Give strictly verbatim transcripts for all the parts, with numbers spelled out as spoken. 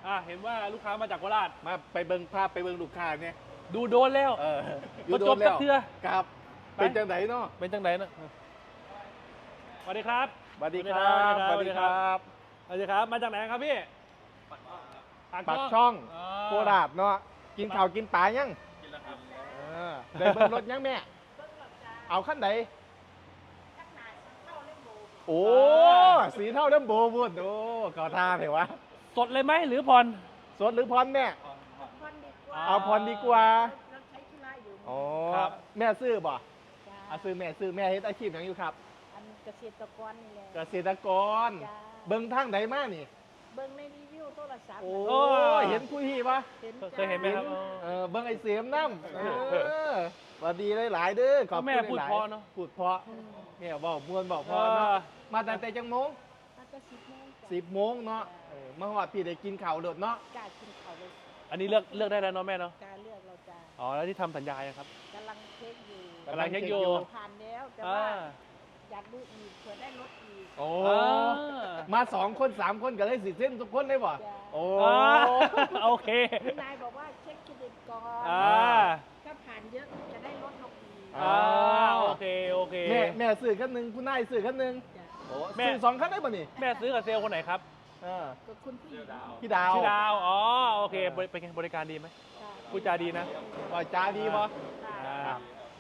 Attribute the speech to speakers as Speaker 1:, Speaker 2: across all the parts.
Speaker 1: อ่าเห็นว่าลูกค้ามาจากโคราช
Speaker 2: มาไปเบิ่งภาพไปเบิ่งลูกค้าเนี่ย
Speaker 1: ดูโดนแล้ว
Speaker 2: เออ
Speaker 1: พอจบจักเทื่อ
Speaker 2: ครับเป็นจังไหนเนาะ
Speaker 1: เป็นจังไหนเนาะสวัสดีครับ
Speaker 2: สวัสดีครับสวัสดีครับ
Speaker 1: สวัสดีครับมาจากไหนครับพี่
Speaker 2: ปากช่อง
Speaker 1: อ๋อ
Speaker 2: โคราชเนาะกินข้าวกินปลายังกินแล้วครับได้เบิ่งรถยังแม่เอาขั้นไหนโอ้สีเท่าเริ่มโบวุ้นโอ้ก่อท่าเถอะวะ
Speaker 1: สดเลยไหมหรือผ่อน
Speaker 2: สดหรือพรแม่
Speaker 3: พรดีกว่า
Speaker 2: เอาพรดีกว่า
Speaker 3: เราใช้ธุระอยู่
Speaker 2: อ๋อ
Speaker 1: ครับ
Speaker 2: แม่ซื้อบ่
Speaker 3: จ้า
Speaker 2: เอาซื้อแม่ซื้อแม่เฮ็ดอาชีพหยังอยู่ครับ
Speaker 3: อันเกษตรกรนี่แหละ
Speaker 2: เกษตรกร
Speaker 3: จ้า
Speaker 2: เบิ่งทางไหนมานี่
Speaker 3: เบิ่งในรีวิวโทรศัพท์
Speaker 2: โอ้
Speaker 1: โอ้
Speaker 2: เห็นผู้ที่ปะ
Speaker 3: เห็น
Speaker 1: เคยเห็นไหมครับ
Speaker 2: เออเบิ่งไอ้เสียมน้ำเออสวัสดีหลายๆเด้อขอบคุณ
Speaker 1: แม่พูด
Speaker 2: หลายๆ
Speaker 1: เพราะเนอะ
Speaker 2: พูดเพราะ
Speaker 3: อืม
Speaker 2: แม่บอกมวนบอกเพราะเนาะมาตั้งแต่จังโมง
Speaker 3: มาจะสิบโมงจ้ะ
Speaker 2: สิบโมงเนาะเออมาฮอดพี่ได้กินข้าวโดดเนาะ
Speaker 3: กล้ากินเขาวเลย
Speaker 1: อันนี้เลือกเลือกได้แล้วเนาะแม่เนาะ
Speaker 3: กล้าเลือกเราจ้า
Speaker 1: อ๋อแล้วที่ทำสัญญายังครับ
Speaker 3: กำลังเช็คอยู่
Speaker 1: กำลังเช็คอยู่
Speaker 3: ผ่านแล้วแต่
Speaker 1: อ่า
Speaker 3: ว่าอยากดูอีกเผื่อได้ลดอีก
Speaker 2: โอ้
Speaker 1: อ่า
Speaker 2: มาสองคนสามคนก็เลยสิเส้นทุกคนเลยบ่
Speaker 3: จ้ะ
Speaker 2: โอ้
Speaker 1: อ่าโอเค
Speaker 3: คุณนายบอกว่าเช็คเครดิตก่อน
Speaker 1: อ่า
Speaker 3: ถ้าผ่านเยอะจะได้ลดลงอีก
Speaker 1: อ่าโอเคโอเค
Speaker 2: แม่แม่ซื้อคันหนึงคุณนายซื้อคันหนึง
Speaker 3: จ้ะ
Speaker 2: โอ้
Speaker 1: แม่
Speaker 2: ซื้อสองคันได้ป่ะนี่
Speaker 1: แม่ซื้อกับเซลล์คนไหนครับ
Speaker 2: เออ
Speaker 3: ก็คุณพี่ดาว
Speaker 2: พี่ดาว
Speaker 1: ชื่อดาวอ๋อโอเคบริเป็นไงบริการดีไหมพูดจาดีนะ
Speaker 2: ก็จ้าดีบ่
Speaker 1: อ่า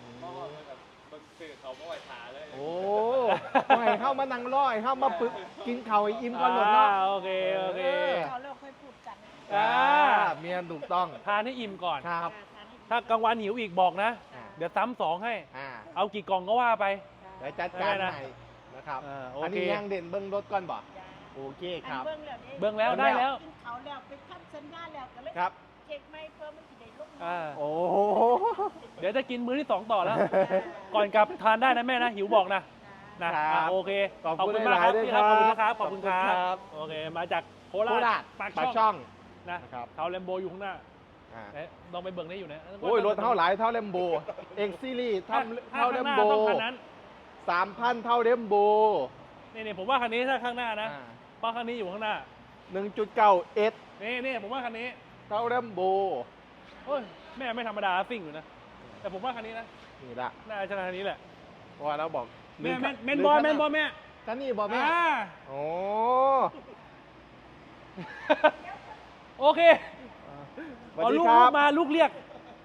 Speaker 2: โอ้ไม่ให้เข้ามานั่งรอให้เข้ามาปึกกินข้าวให้อิ่มก่อนหมดเนาะ
Speaker 1: อ่าโอเคโอเค
Speaker 3: เราเราค่อยพูดกัน
Speaker 1: อ่า
Speaker 2: เมียนถูกต้อง
Speaker 1: ทานให้อิ่มก่อน
Speaker 2: ครับ
Speaker 1: ถ้ากลางวันหิวอีกบอกนะ
Speaker 2: อ่า
Speaker 1: เดี๋ยวซ้ำสองให้
Speaker 2: อ่า
Speaker 1: เอากี่กล่องก็ว่าไป
Speaker 2: เดี๋ยวจัดการ
Speaker 1: ได้นะ
Speaker 2: ให้นะครับ
Speaker 1: อ่าโอ
Speaker 2: อัน
Speaker 1: เค
Speaker 2: นี้ยังเด่นเบิ้งรถก่อนบ่โอเคครับ
Speaker 3: เบื้องแล้ว
Speaker 1: เบิ่งแล้วได้แล้ว
Speaker 3: กินเขาแล้วไปทำสัญญาแล้วก็เลย
Speaker 2: ครับ
Speaker 3: เช็คไม่เพิ่มมันจะได้ลง
Speaker 1: อ่า
Speaker 2: โอ้โห
Speaker 1: เดี๋ยวจะกินมื้อที่สองต่อแล้ว ก่อนกลับทานได้นะแม่นะหิวบอกนะนะครับ อ่ะโอเค
Speaker 2: ขอบคุณ
Speaker 1: มากครับ
Speaker 2: หลายๆด้วย
Speaker 1: พี่ครับ
Speaker 2: ค
Speaker 1: ข
Speaker 2: รั
Speaker 1: อ
Speaker 2: บบ
Speaker 1: คุณนะครับขอบคุณค
Speaker 2: ขอบคุณครั
Speaker 1: รับบ โอเคมาจากโค
Speaker 2: โค
Speaker 1: รา
Speaker 2: รา
Speaker 1: ช
Speaker 2: ช
Speaker 1: ปาก
Speaker 2: ปาก
Speaker 1: ช่
Speaker 2: ช่
Speaker 1: อ
Speaker 2: อง ง
Speaker 1: นะ
Speaker 2: นะครับ
Speaker 1: เทาแลมโบอยู่ข้างหน้า
Speaker 2: อ่า
Speaker 1: เอ๊ะลองไปเบิ่งได้อยู่นะ
Speaker 2: โอ้ยรถเท่าหลายเท่าเลมโบเอ็กซีรีส์
Speaker 1: ถ้า
Speaker 2: ทำ
Speaker 1: ถ้า
Speaker 2: เท่าเล
Speaker 1: ข้าง
Speaker 2: ม
Speaker 1: หน้า
Speaker 2: โบ
Speaker 1: ต้องคันนั้น
Speaker 2: สามพันเท่าเลมโบ
Speaker 1: นี่นี่ผมว่าคันนี้ถ้าข้างหน้านะเพราะคันนี้อยู่ข้างหน้า
Speaker 2: หนึ่งจุดเก้าเอส
Speaker 1: นี่นี่ผมว่าคันนี้
Speaker 2: เท่าเลมโบ
Speaker 1: โอ้ยแม่ไม่ธรรมดาซิ่งอยู่นะ แต่ผมว่าคันนี้นะ
Speaker 2: นี่ละ
Speaker 1: น่าจะคันนี้แหละ
Speaker 2: เพราะว่าเราบอก
Speaker 1: แม่แม่
Speaker 2: ห
Speaker 1: แม
Speaker 2: รื
Speaker 1: นบอล
Speaker 2: คั
Speaker 1: แมนบอลแม่
Speaker 2: คันนี้บอลแม่
Speaker 1: อ่า
Speaker 2: โอ้
Speaker 1: โอเค
Speaker 2: สวัส
Speaker 1: เอา
Speaker 2: ดี
Speaker 1: ลูก
Speaker 2: ค
Speaker 1: ลู
Speaker 2: รั
Speaker 1: ก
Speaker 2: บ
Speaker 1: มาลูกเรียก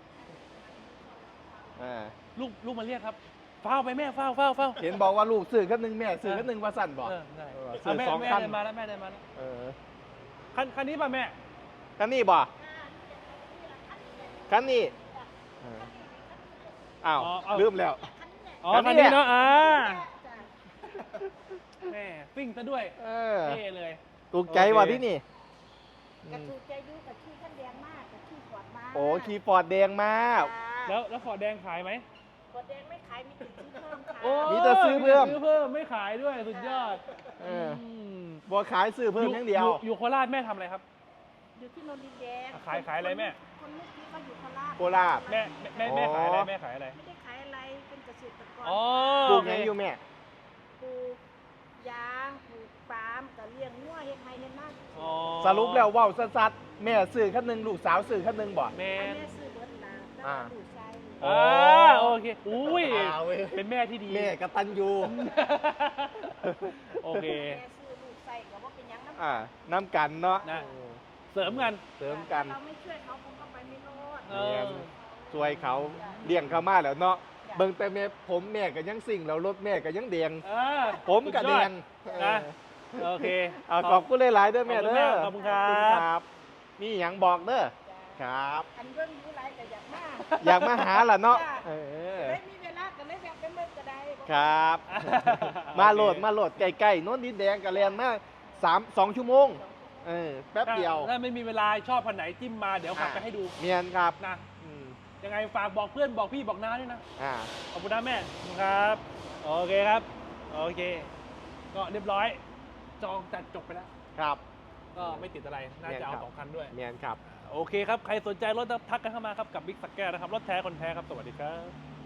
Speaker 2: อ่า
Speaker 1: ลูกลูกมาเรียกครับเฝ้าไปแม่เฝ้าเฝ้าเฝ้า
Speaker 2: เห็นบอกว่าลูกซื้อคันหนึ่งแม่ซื้อคันหนึ่งว่าสั่นบอก
Speaker 1: เออได้
Speaker 2: เออ
Speaker 1: เอา
Speaker 2: ซื้อ
Speaker 1: แม่
Speaker 2: สอง
Speaker 1: แม่
Speaker 2: คัน
Speaker 1: เดินมาแล้วแม่เดินมาแล้ว
Speaker 2: เออ
Speaker 1: คันคันนี้ป่ะแม่
Speaker 2: คันนี้บ่คันนี้เอออ้าวลืมแล้ว
Speaker 1: อ๋อ
Speaker 2: คั
Speaker 1: คัน
Speaker 2: นนี้
Speaker 1: นี้
Speaker 2: แหละ
Speaker 1: เนาะอ่า
Speaker 3: จ้ะ
Speaker 1: แม่ฟิ่งซะด้วย
Speaker 2: เออ
Speaker 1: เท่เลย
Speaker 2: ถูกใจว่ะที่นี่
Speaker 3: กระถูกใจดูกับขี้ขั้นแดงมากกับขี้ขวดมาก
Speaker 2: โอ้คีย์ฟอร์ดแดงมาก
Speaker 1: แล้วแล้วฟอร์ดแดงขายไหม
Speaker 3: ขวดแดงไม่ขายมีติดซื้อเพิ่มค่ะ
Speaker 1: โอ้
Speaker 2: มีแต่ซื้อเพิ่ม
Speaker 1: ซื้อเพิ่มไม่ขายด้วยสุดยอด
Speaker 2: เออ
Speaker 1: ม
Speaker 2: บัวขายซื้อเพิ่มอย่างเดียว
Speaker 1: ออยู่โคราชแม่ทำอะไรครับ
Speaker 3: อยู่ที่นนทดินแดง
Speaker 1: ขายขายอะไรแม่
Speaker 3: คนลูกที่เขาอยู่โคราช
Speaker 2: โคราช
Speaker 1: แม่แม่แม่แม่ขายอะไรแม่ขายอะไร
Speaker 3: ไม่ได้ขายอะไรเป็นเกษตรกร
Speaker 1: อ๋อ
Speaker 2: ปลูก
Speaker 1: โอ
Speaker 2: หยัง
Speaker 1: เค
Speaker 2: อยู่แม่
Speaker 3: ปลูกยางปลูกปาล์มกับเลี้ยงงัวเฮ็ดไร่เฮ็ดนา
Speaker 1: อ๋อ
Speaker 2: สรุปแล้วเว้าสัดๆแม่ซื้อคันหนึ่งลูกสาวซื้อคันหนึ่งบ่
Speaker 1: แม่
Speaker 3: อันนี้ซื้อเบิดลาแล้ว
Speaker 2: อ่า
Speaker 3: ก็ดูใช้
Speaker 1: อ่าโอเคอุ้ย
Speaker 2: อ่าเว้ย
Speaker 1: เป็นแม่ที่ดี
Speaker 2: แม่กตันยู
Speaker 1: โอเค
Speaker 3: แม่ซื้อลูกใส่ก็ว่าเป็นหยังน้ำ
Speaker 2: อ่าน้ำกันเนาะ
Speaker 1: นะ เสริมกัน
Speaker 2: เสริมกัน
Speaker 3: เราไม่ช่วยเขาคงก็ไปไม่รอด
Speaker 1: เอ
Speaker 2: แม่
Speaker 1: อ
Speaker 2: ช่วยเขาเลี้ยงเขามาแล้วเนาะเบิ่งแต่แม่ผมแม่ก็ยังสิ่งแล้วรถแม่ก็ยังแดง
Speaker 1: เออ
Speaker 2: ผมก็แดง
Speaker 1: นะ โอเค
Speaker 2: เอาขอบคุณหลายๆเด้อแม่เด้อ
Speaker 1: ขอบคุณครับ
Speaker 2: ขอบคุณครับมีหยังบอกเด้อครับ
Speaker 3: อันเรื่องรู้ไรก็อยากมา
Speaker 2: อยากมาหาล่ะเนาะเออ
Speaker 3: ไม่มีเวลาก็เลยแบบไปเมื่อก็ได้
Speaker 2: ครับ มาโหลดมาโหลดใกล้ๆโน้นดินแดงกับแลนมาสามสองชั่วโมงเออแป๊บเดียว
Speaker 1: ถ้าไม่มีเวลาชอบพันไหนจิ้มมาเดี๋ยวขับไปให้ดู
Speaker 2: เมียนครับ
Speaker 1: นะ
Speaker 2: อืม
Speaker 1: ยังไงฝากบอกเพื่อนบอกพี่บอกน้าด้วยนะ
Speaker 2: อ่า
Speaker 1: ขอบคุณนะแม่ขอบคุณครับ โอเคครับ โอเค ก็เรียบร้อย จองจัดจบไปแล้ว
Speaker 2: ครับ
Speaker 1: ก็ไม่ติดอะไร น่าจะเอาสองคันด้วย
Speaker 2: เมียนครับ
Speaker 1: โอเคครับ ใครสนใจรถทักกันเข้ามาครับกับบิ๊กสักแก้วนะครับ รถแท้คนแท้ครับ สวัสดีครับ